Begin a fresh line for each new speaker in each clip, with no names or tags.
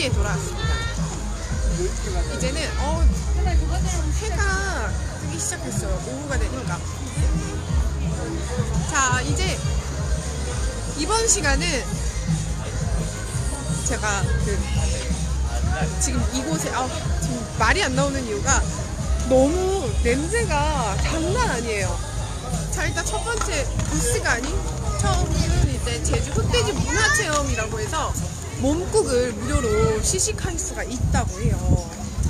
10시에 돌아왔습니다. 이제는 해가 뜨기 시작했어요. 오후가 되니까. 자, 이제 이번 시간은 제가 지금 이곳에 지금 말이 안 나오는 이유가 너무 냄새가 장난 아니에요. 자, 일단 첫 번째 부스가 아닌 처음은 이제 제주 흑돼지 문화체험이라고 해서 몸국을 무료로 시식할 수가 있다고 해요.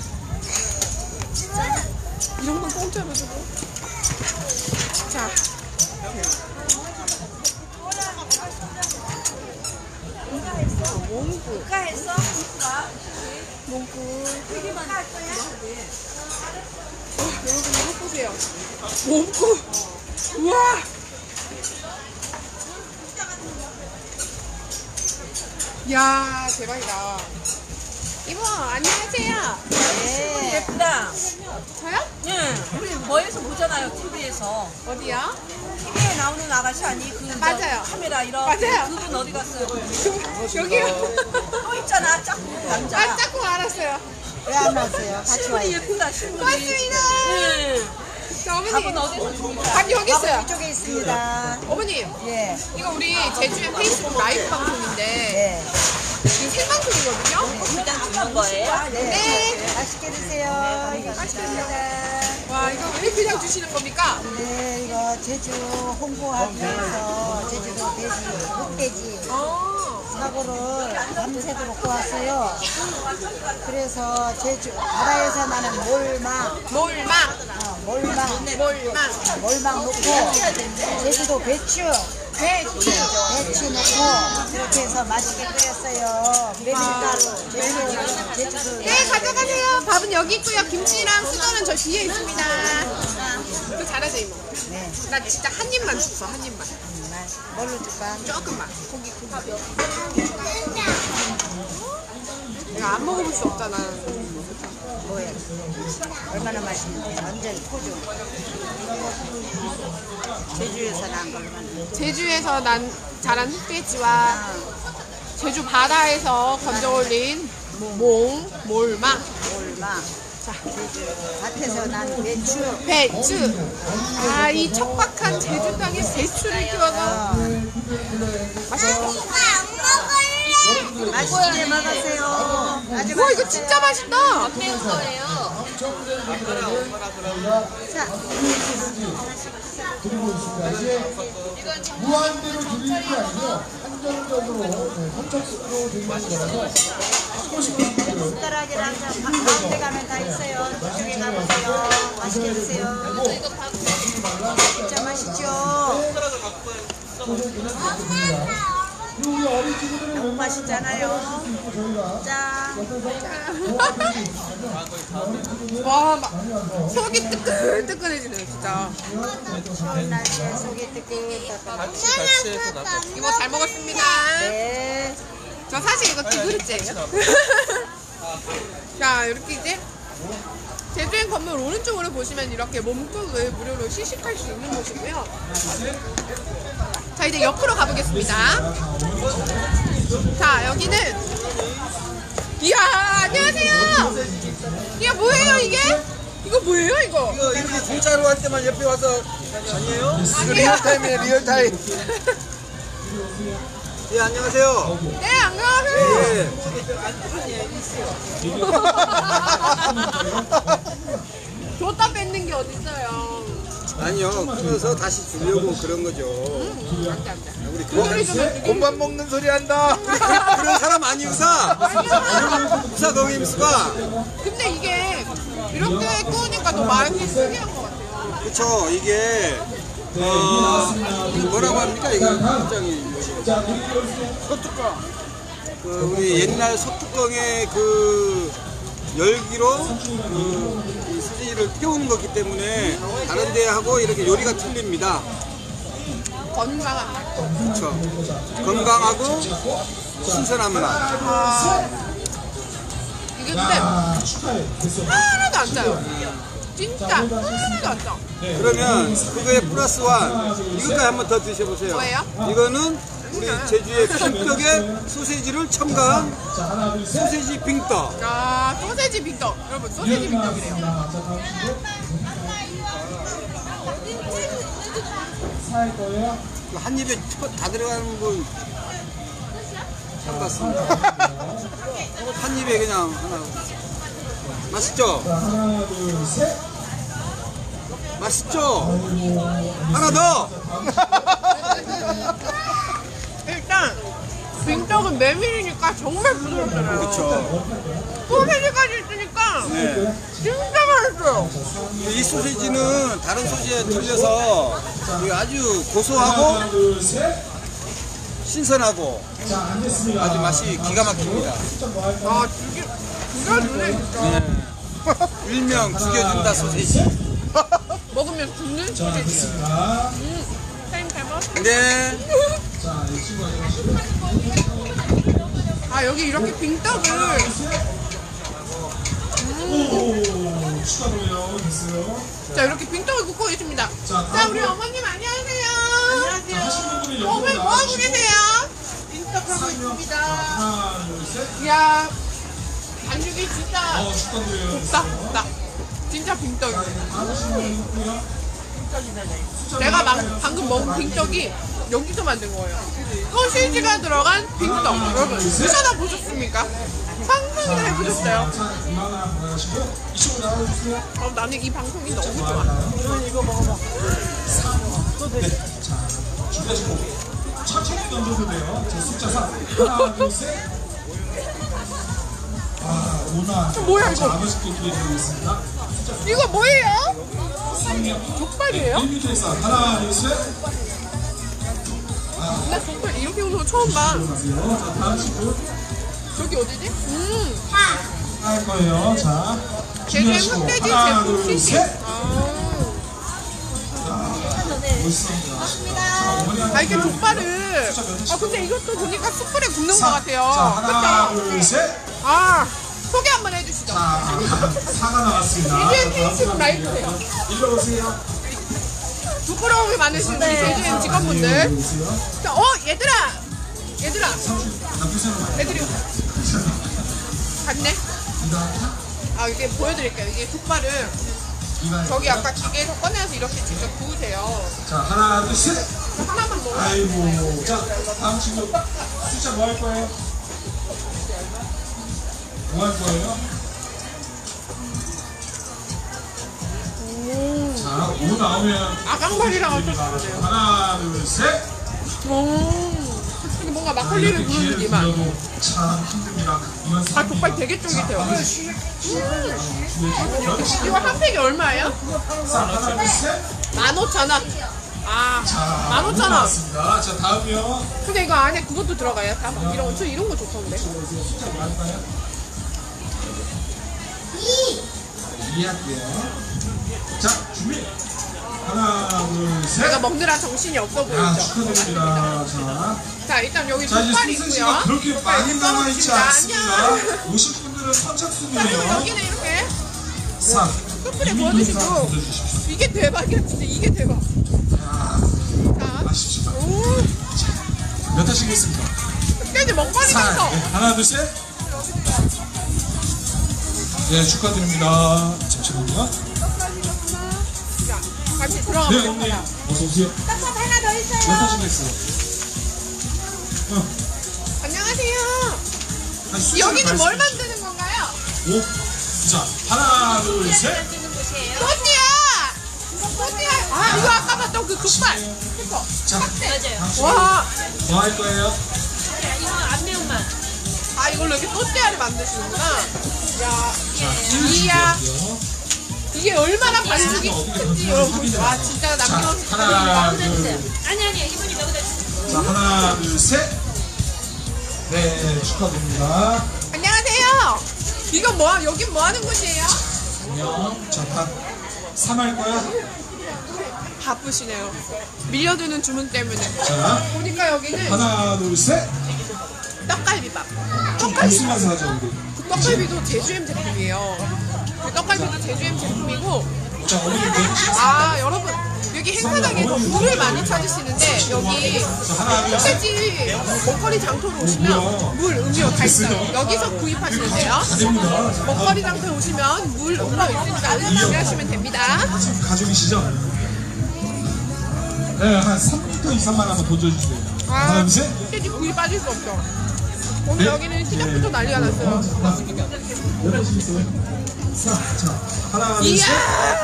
이런 건 공짜로 주고. 자, 몸국. 여러분 이거 보세요. 몸국. 우와. 이야, 대박이다. 이모, 안녕하세요.
네. 예쁘다.
저요?
응. 우리 뭐에서 보잖아요, TV에서.
어디요?
TV에 나오는 아가씨 아니?
맞아요.
카메라 이런.
맞아요.
그분 어디 갔어요?
여기요.
또 있잖아, 짝꿍 남자.
짝꿍 알았어요.
왜 안 왔어요? 같이
신분이
와요.
예쁘다, 신분이.
고맙습니다.
응.
자, 어머니.
밥은 어디서 줍니까?
밥 여기 있어요.
이쪽에 있습니다.
어머님,
예.
이거 우리 제주의 페이스북 라이브 방송인데
네.
지금 생방송이거든요.
일단 주는 거예요?
네.
네.
맛있게 드세요.
맛있겠습니다. 와, 이거 왜 그냥 주시는 겁니까?
네, 이거 제주 홍보하기 위해서 제주도 돼지, 흑돼지 사고를 밤새도록 먹고 왔어요. 그래서 제주 바다에서 나는 몰망, 몰망 넣고 제주도 배추 넣고 그렇게 해서 맛있게 끓였어요. 메밀가루, 제주도.
네, 가져가세요. 밥은 여기 있고요. 김치랑 수저는 저 뒤에 있습니다. 너 잘하죠, 이모?
네.
나 진짜 한 입만 줬어, 한 입만.
뭘로 줄까?
조금만. 고기. 내가 안 먹어볼 수 없잖아.
뭐야? 얼마나 맛있는지 완전 포주. 제주에서 난 걸만.
제주에서 자란 흑돼지와 제주 바다에서 건져 올린 몰망.
자, 제주 밭에서 난
배추. 아, 이 척박한 제주 땅에 배추를 키워서 맛있겠다.
맛있게 먹으세요. 아주
와, 이거 진짜 맛있다.
자,
드리고 있습니다. 이제 무한대로 드리는 게 아니고 한정적으로 선착순으로 드리는 거라서 조금씩
숟가락이랑 가운데 가면 다 있어요. 저쪽에 가보세요. 맛있게 드세요. 진짜 맛있죠?
우리 어린 친구들은
너무 맛있잖아요. 자,
와, 막 속이 뜨끈뜨끈해지네요, 진짜.
추운 날씨에 속이 뜨끈뜨끈.
이모 잘 먹었습니다.
네.
저 사실 이거 두 그릇째예요. 자, 이렇게 이제 제주행 건물 오른쪽으로 보시면 이렇게 몸국을 무료로 시식할 수 있는 곳이고요. 자, 이제 옆으로 가보겠습니다. 자, 여기는 이야, 안녕하세요. 이게 뭐예요, 이게? 이거 뭐예요, 이거?
이거 이렇게 공짜로 할 때만 옆에 와서 아니에요?
아니에요.
리얼타임이에요, 리얼타임. 예, 안녕하세요.
네, 안녕하세요.
예.
줬다 뺏는 게 어딨어요.
아니요, 끊어서 다시 주려고 그런 거죠.
안 돼, 안 돼.
우리
고기를 좀
곰밥 먹는 소리 한다. 그런 사람 아니 우사. 우사 거기 임수가.
근데 이게 이렇게 구우니까 더 맛이 특이한 것 같아요.
그렇죠. 이게 뭐라고 합니까? 이거 굉장히 소뚜껑. 그 우리 옛날 소뚜껑의 그 열기로 이 수지를 태우는 거기 때문에 다른 데하고 이렇게 요리가 틀립니다.
건강한 맛.
그렇죠. 건강하고 신선한 맛.
이게 근데 하나도 안 짜요. 진짜 하나도 안 짜.
그러면 그거에 플러스 원 이것까지 한번 더 드셔보세요.
뭐예요?
이거는 우리 제주의 빙떡에 소세지를 첨가한
자, 하나, 둘, 셋.
소세지 빙떡.
아, 소세지 빙떡. 여러분, 소세지 빙떡이래요.
자, 다음 친구. 살 거예요.
한 입에 다 들어가는 걸 첨갔습니다. 한 입에 그냥 하나. 맛있죠?
자, 하나, 둘, 셋.
맛있죠? 하나 더!
일단, 빙떡은 메밀이니까 정말 부드럽잖아요.
그렇죠.
소세지까지 있으니까
네.
진짜 맛있어요.
이 소세지는 다른 소시지에 틀려서 이게 아주 고소하고
하나, 둘, 셋.
신선하고
자, 앉겠습니다.
아주 맛이 기가 막힙니다.
아, 죽여주네, 진짜.
네. 일명 죽여준다 소세지.
먹으면 죽는
자,
소세지.
됐습니다.
사장님 잘 먹었어요.
네.
자, 이 친구가
아, 여기 이렇게 빙떡을.
오, 축하드려요. 됐어요.
자, 이렇게 빙떡을 굽고 있습니다.
자,
자, 우리 어머님 안녕하세요.
자, 하시는 분들이
어머니 뭐 하고 계세요?
빙떡하고 있습니다.
하나, 둘, 셋.
이야, 반죽이 진짜
축하드려요.
곱다, 곱다. 진짜 빙떡이에요.
하시는 분이 있고요.
내가 방금 먹은 빙떡이 여기서 만든 거예요. 소시지가 들어간 빙떡. 여러분, 드셔다 보셨습니까? 상상이나 해보셨어요?
자, 이만한 거 하시고 이쪽으로 나와주세요.
나는 이 방송이 너무 좋아.
네. 자, 준비하시고 천천히 던져도 돼요. 자, 숫자 3. 하나, 둘, 셋. 아, 오나.
뭐야, 이거?
자, 아버지께 드리겠습니다.
이거 뭐예요? 족발이에요?
1m에서 하나, 둘, 셋.
나 족발 이렇게 오는 거 처음 봐.
들어가세요. 자, 다음 친구
저기 어디지?
할 거예요. 자,
제주의
준비하시고
흑돼지
하나,
제품
둘,
시식.
셋.
아,
멋있습니다.
아, 이게 족발을. 아, 근데 이것도 보니까 숯불에 굽는 것 같아요.
자, 하나,
그쵸?
둘, 셋.
아, 소개 한번 해주시죠.
자, 사가 나왔습니다.
제주의 페이스북 라이브세요.
일로 오세요.
부끄러움이 많으신 우리 제주의 직원분들.
일로 오세요.
자, 얘들아! 얘들아! 애들이 갔네? 아, 이게 보여드릴게요. 이게 족발을 저기 아까 기계에서 꺼내서 이렇게 직접 구우세요.
자, 하나, 둘, 셋.
하나만 먹어요.
아이고. 자, 다음 친구. 숫자 뭐 할 거예요? 뭐 할 거예요? 자, 5 나오면
아강발이랑 합쳤어요.
하나, 둘, 셋.
이게 뭔가 막걸리를 부르는 느낌만.
기회를 참 힘듭니다. 이만
아, 족발 되게 쫄깃해요. 이거 한 팩이 얼마예요?
자, 하나, 둘, 셋.
15,000원. 아,
자,
15,000원.
나왔습니다. 자, 다음이요.
근데 이거 안에 그것도 들어가요? 다 이런 거 좋던데.
숫자 뭐 할까요? 2 할게요. 자, 준비. 하나, 둘, 셋.
제가 먹느라 정신이 없어
야,
보이죠?
축하드립니다. 자,
자, 일단 여기
자, 이제
족발이
소세지가
있고요.
그렇게 많이 남아있지 않습니다.
안녕.
오실 분들은
자, 그리고
선착순이에요.
여기는 이렇게
3.
숯불에 구워주시고. 이게 대박이야, 진짜. 이게 대박. 자,
아쉽지만.
오,
몇 하시겠습니까?
흑돼지 먹방이
4.
나서.
네, 하나, 둘, 셋. 네, 축하드립니다. 잠시만요.
자, 같이 들어가
네,
보도록
언니.
하자.
어서오세요.
떡밥 하나 더
몇
있어요.
하시겠어요?
안녕하세요.
아니, 숫자를
여기는 뭘
말씀해
만드는 건가요?
주세요. 5. 자, 하나, 둘, 셋.
소띠야! 소띠야! 아, 이거 아까 봤던 그 족발. 그쵸?
자, 당신
와,
뭐 할 거예요?
아, 이걸로 이렇게 소띠야를 만드시는구나. 야,
자,
이야.
준비할게요.
이게 얼마나 반죽이 큰지 여러분 보세요. 와, 진짜
자,
남김없이
하나,
축하드립니다.
둘. 자, 하나, 둘, 셋. 네, 축하드립니다.
안녕하세요. 이거 여긴 뭐 하는 곳이에요?
안녕. 자, 다 3 할 거야?
바쁘시네요. 밀려드는 주문 때문에.
자,
보니까 여기는
하나, 둘, 셋.
떡갈비밥.
좀
떡갈비.
웃으면서 하자, 우리.
떡갈비도 제주엠 제품이에요. 그 떡갈비도 제주엠 제품이고
자, 어머니 내주시겠습니다.
아 여러분 여기 행사장에서 물을 많이 찾으시는데 여기 흑돼지 먹거리 장터로 오시면 물, 음료 다 있어요. 여기서 구입하시면 돼요.
됩니다.
먹거리 장터에 오시면 물, 음료 있으니까 구매하시면 됩니다.
지금 가족이시죠? 네, 한 3m 이상만 한번 던져주세요. 하나, 둘, 셋.
흑돼지 구이 빠질 수 없죠. 오늘
네.
여기는 시작부터 난리가 났어요.
자, 하나, 둘,
이야!
셋.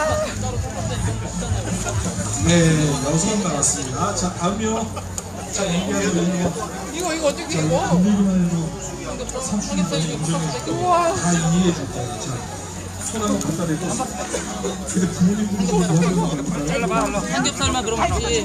네, 6번 나왔습니다. 자, 다음요. 자, 얘기하면
이거 어떻게 이거?
분위기만 해도 삼촌이 운전해서
우와.
다 이해해 줄 거예요. 자, 손 한번 갖다 대고. 근데 부모님들이 뭐 하는 거
삼겹살만 그럼 하지.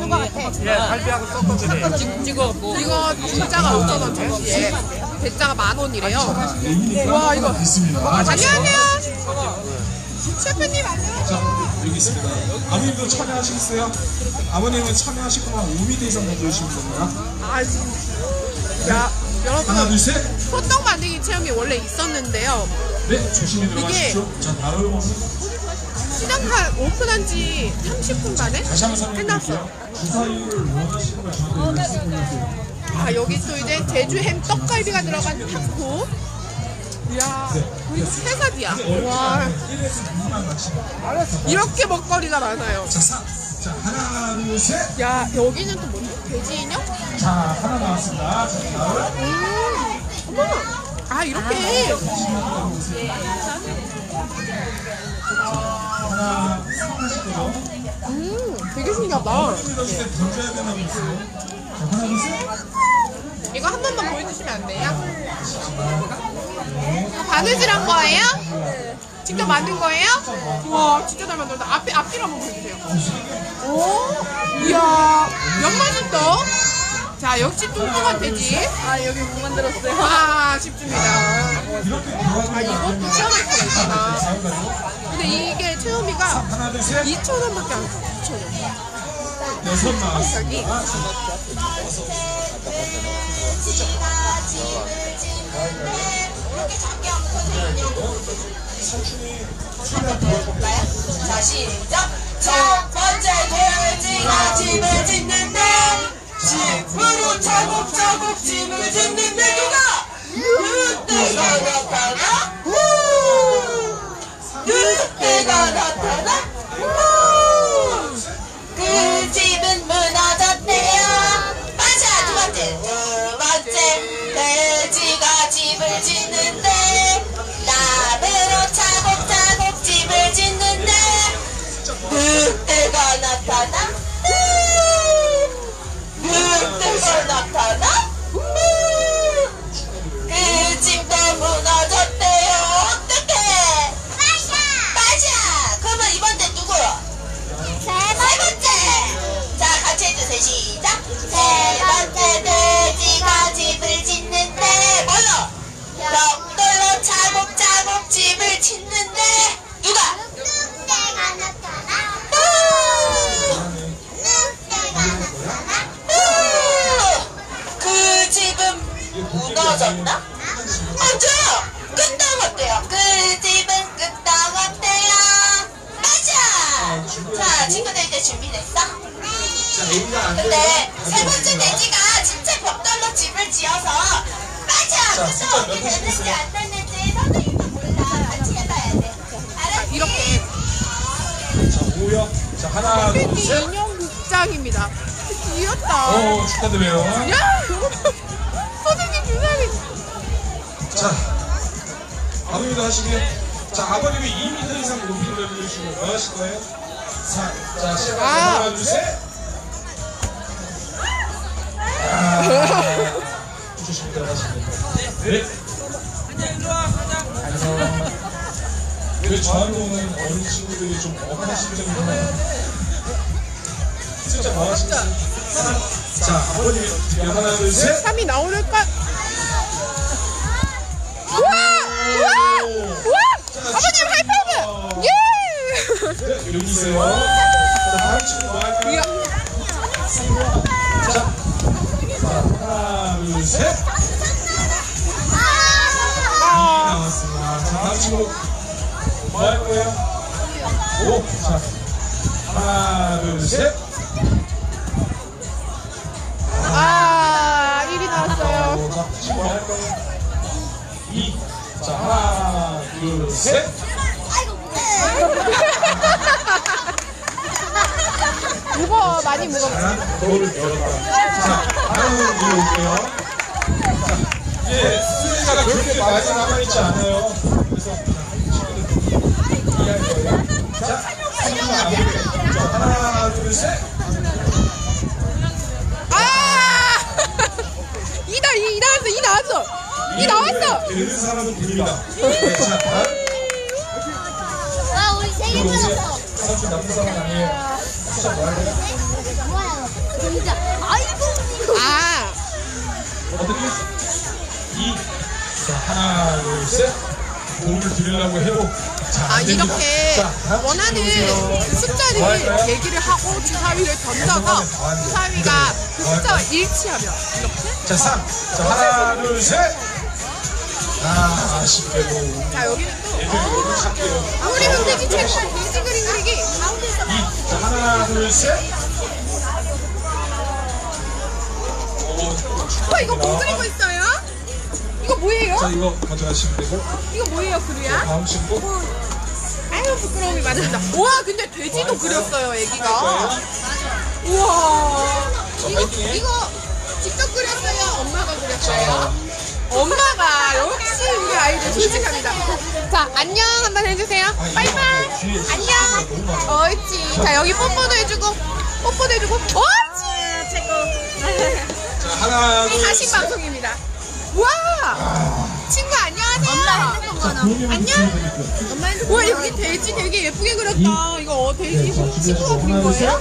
찍어갖고.
이거 진짜가 5,000원 전시에 대짜가 10,000원이래요. 와 이거
있습니다.
안녕하세요. 셰프님 안녕하세요.
자, 여기 있습니다. 아버님도 참여하시겠어요? 아버님은 참여하실 거면 5m 이상 던져주시면 됩니다.
아 진짜. 야
하나,
여러분
둘, 셋.
소떡 만들기 체험이 원래 있었는데요.
네, 조심히 들어가십시오. 자, 바로
시작한 오픈한 지 30분 만에
다시 한번 설명드릴게요.
끝났어요.
주사위를 원하시는 걸 저한테 말씀해주세요.
아 여기 또 이제 제주 햄 떡갈비가 들어간 타코. 이야 이거 새사디야. 와
1에서 6만 맞히면.
이렇게 먹거리가 많아요.
자, 3. 자, 하나, 둘, 셋.
야 여기는 또 뭐지? 돼지 인형?
자, 하나 나왔습니다. 자, 다음.
어머. 아 이렇게
하나, 하실 거죠?
되게 신기하다.
던졌을 때 던져야 되나 보세요. 자, 하나, 둘, 셋.
이거 한 번만 보여주시면 안 돼요? 바느질한 거예요? 직접 만든 거예요? 우와 진짜 잘 만들었다. 앞뒤로 한번 보여주세요. 오 이야 연맛있어. 자 역시 뚱뚱한 돼지.
아 여기 못 만들었어요.
아 쉽습니다.
이렇게 대화를
이것도 체험할 수가 있구나. 근데 이게 체험비가
하나, 둘, 셋.
2,000원밖에 안 써. 2,000원.
6 나왔습니다.
자 시작. 첫 번째 돼지가 집을 짓는데 집으로 차곡차곡 집을 짓는데 누가? 늑대가 나타나? 늑대가 나타나? 그 집은 무너졌대요. 맞아. 두 번째 돼지가 집을 짓는데 나무로 차곡차곡 집을 짓는데 늑대가 나타나? 늑대가 나타나? 그 집도 무너졌대요. 어떡해? 맞아. 그러면 이번 대 누구? 세 번째. 자 같이 해주세요. 시작. 세 번째 돼지가 집을 짓는데 뭘로? 벽돌로 차곡차곡 집을 짓는데 누가? 늑대가 나타나. 그 집은 무너졌나? 맞아요. 끄떡없대요. 그 집은 끄떡없대요. 맞아. 자 친구들 이제 준비됐어? 근데 세 번째 돼지가 진짜 벽돌로 집을 지어서 맞아. 그래서 어떻게 됐는지 안 됐는지 선생님도 몰라. 같이 해봐야 돼. 알았지?
이렇게
자, 5요. 자, 하나, 둘,
돼지
셋.
인형 극장입니다. 귀엽다.
축하드려요.
야 선생님 주사위.
자, 아버님도 하시고요. 자, 아버님이 2m 이상 높이를 내려주시고 뭐 하실 거예요? 자, 시작. 하나, 둘, 셋. 조심히 들어가시면 됩니다. 네. 왜 저한테 오는 어린 친구들이 좀 억울한 심정이 있나요? 진짜 뭐 하시겠어요? 자, 아버님이 드릴게요. 하나, 둘, 셋.
3이 나오니까 우와! 아버님 하이파이브! 예!
네, 여기 있어요. 자, 다음 친구 뭐 할까요? 자, 하나, 둘, 셋. 2 나왔습니다. 자, 다음 친구 뭐 할 거예요? 5. 자, 하나, 둘, 셋.
아, 1이 나왔어요.
자, 친구 할 거예요. 2. 자, 하나, 둘, 셋.
무거워, 많이 무거워.
자, 거울을 열었다. 자, 다음 위로 올게요. 자, 이제 수리가 그렇게 많이 남아있지 않아요. 그래서 친구들 이해할 거예요. 자, 수리가 안 돼요. 자, 하나, 둘, 셋.
아! 2 나왔어, 2 나왔어. 2 나왔어.
되는 사람은 됩니다. 네, 자, 다음.
와, 우리 세개
이리 오세요.
받았어.
삼촌 나쁜 사람 아니에요. 숫자 뭐 할 거예요?
뭐야? 진짜. 아이고.
아,
어떻게? 2. 자, 하나, 둘, 셋. 도움을 드리려고 해도 자, 안 됩니다.
이렇게
자, 다음
원하는
친구 오세요.
그 숫자를
뭐 할까요?
얘기를 하고 주사위를 던져서 주사위가 그 숫자와 일치하면 이렇게.
자, 3. 자, 하나, 둘, 셋. 아, 아쉽게도.
자, 여기는 또
애들 너무 착해요.
우리 흑돼지 최고 돼지 그림 그리기.
2. 자, 하나, 둘, 셋.
이거 뭐 그리고 있어요? 이거 뭐예요?
자, 이거 가져가시면 되고.
이거 뭐예요, 그루야?
다음 친구.
아유, 부끄러움이 많습니다. 우와, 근데 돼지도 그렸어요, 애기가. 우와. 이거 직접 그렸어요? 엄마가 그렸어요? 엄마가 역시 우리 아이들 솔직합니다. 자, 안녕 한번 해주세요. 바이바이. 안녕. 옳지. 자, 여기 뽀뽀도 해주고, 뽀뽀도 해주고. 옳지. 최고.
자, 하나, 둘,
다시
셋.
방송입니다. 와. 친구 안녕하세요. 안녕. 와, 여기 돼지 되게 예쁘게 그렸다. 이거 돼지 친구가 그린 거예요?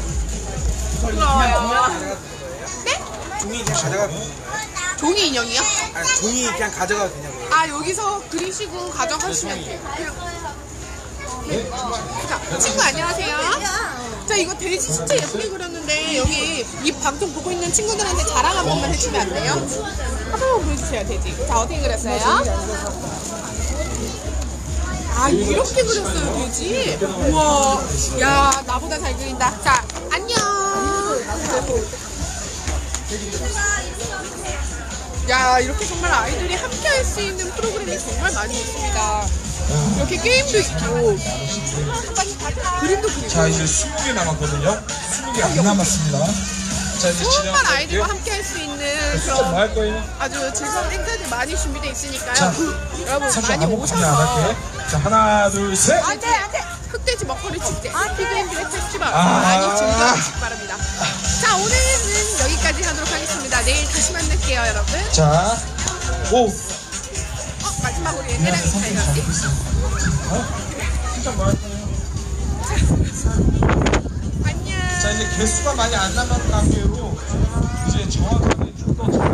부러워요. 네?
종이 그냥 가져가.
종이 인형이요?
아니, 종이 그냥 가져가도 되냐고.
아, 여기서 그리시고 가져가시면 돼요. 네. 자, 친구 안녕하세요. 자, 이거 돼지 진짜 예쁘게 그렸는데 여기 이 방송 보고 있는 친구들한테 자랑 한 번만 해주면 안 돼요? 한 번만 보여주세요, 돼지. 자, 어떻게 그렸어요? 아, 이렇게 그렸어요, 돼지? 우와, 야, 나보다 잘 그린다. 자, 안녕. 야, 이렇게 정말 아이들이 함께 할 수 있는 프로그램이 정말 많이 있습니다. 이렇게 게임도 있고, 그림도 그리고.
자, 이제 20개 남았거든요. 20개 안 남았습니다. 자, 이제
소음만 아이들과
진행할게요.
함께 할 수 있는
숫자 뭐
그런
할 거예요?
아주 즐거운 행사들 많이 준비되어 있으니까요.
자,
여러분
삼촌
많이
아무것도 안
오셔서
할게. 자, 하나, 둘, 셋.
안돼 흑돼지 먹거리 축제 피그앤드의 페스티벌
아.
많이 즐겨주시기 바랍니다. 자, 오늘은 여기까지 하도록 하겠습니다. 내일 다시 만날게요, 여러분.
자, 5.
마지막으로 얘네랑 인사해야지.
숫자 뭐 할 거예요?
안녕.
자, 이제 개수가 많이 안 남은 관계로 이제 정확하게 좀 더